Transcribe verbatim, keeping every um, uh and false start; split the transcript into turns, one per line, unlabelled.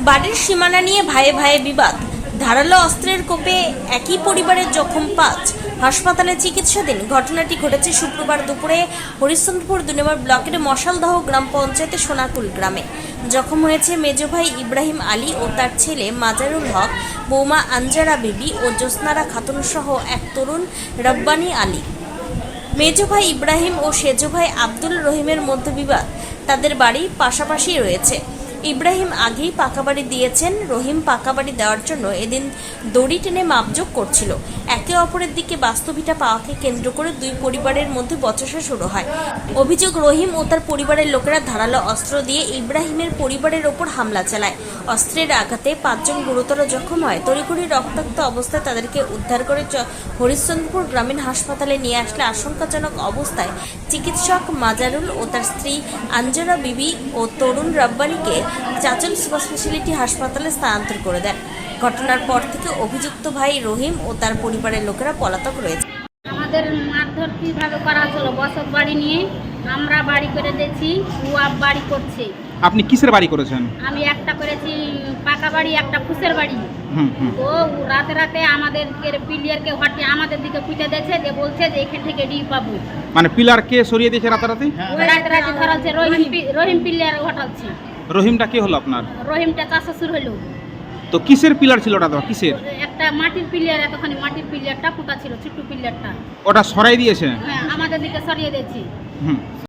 বাড়ির সীমানা নিয়ে ভাইয়ে ভাইয়ে বিবাদ, ধারালো অস্ত্রের কোপে একই পরিবারের জখম পাঁচ, হাসপাতালে চিকিৎসাধীন। ঘটনাটি ঘটেছে শুক্রবার দুপুরে হরিশ্চন্দ্রপুর দুই নম্বর ব্লকের মশালদহ গ্রাম পঞ্চায়েতের সোনাকুল গ্রামে। জখম হয়েছে মেজ ভাই ইব্রাহিম আলী ও তার ছেলে মাজারুল হক, বৌমা আঞ্জারা বিবি ও জ্যোৎস্নারা খাতুন সহ এক তরুণ রব্বানী আলী। মেজ ভাই ইব্রাহিম ও সেজ ভাই আব্দুল রহিমের মধ্যে বিবাদ, তাদের বাড়ি পাশাপাশি রয়েছে। ইব্রাহিম আগেই পাকা বাড়ি দিয়েছেন, রহিম পাকা বাড়ি দেওয়ার জন্য এদিন দড়ি টেনে মাপজোক করছিল। একে অপরের দিকে বাস্তুভিটা পাওয়াকে কেন্দ্র করে দুই পরিবারের মধ্যে বচসা শুরু হয়। অভিযোগ, রহিম ও তার পরিবারের লোকেরা ধারালো অস্ত্র দিয়ে ইব্রাহিমের পরিবারের ওপর হামলা চালায়। অস্ত্রের আঘাতে পাঁচজন গুরুতর জখম হয়। তড়িঘড়ি রক্তাক্ত অবস্থায় তাদেরকে উদ্ধার করে হরিশ্চন্দ্রপুর গ্রামীণ হাসপাতালে নিয়ে আসলে আশঙ্কাজনক অবস্থায় চিকিৎসক মাজারুল ও তার স্ত্রী আঞ্জারা বিবি ও তরুণ রব্বানীকে চাচল সুপার স্পেশালিটি হাসপাতালে স্থানান্তর করে দেন। ঘটনার পর থেকে অভিযুক্ত ভাই রহিম ও তার পরিবারের লোকেরা পলাতক রয়েছে।
আমাদের মারধর কিভাবে করা হলো, বসত বাড়ি নিয়ে আমরা বাড়ি করে দিয়েছি, ওয়াব বাড়ি করছে।
আপনি কিসের বাড়ি করেছেন?
আমি একটা করেছি পাকা বাড়ি, একটা ফুসের বাড়ি।
হুম হুম।
তো রাতে রাতে আমাদের পিলিয়ারকে হটিয়ে আমাদের দিকে পিটে দিয়েছে, যে বলছে যে এখান থেকে ডি পাবো।
মানে পিলার কে সরিয়ে দিয়েছে রাতারাতি?
রাতে রাতে ধরাচ্ছে রহিম পি- রহিম পিলিয়ার ঘটাচ্ছে।
রহিমটা কে হলো আপনার?
রহিমটা চাষাশুর হইলো।
তো কিসের পিলার ছিল ওটা? তো কিসের?
একটা মাটির পিলিয়ার, এতখানি মাটির পিলিয়ারটা পোতা ছিল, ছোট্ট পিলিয়ারটা।
ওটা সরাই দিয়েছে?
হ্যাঁ, আমাদের দিকে সরিয়ে দিয়েছি।
হুম।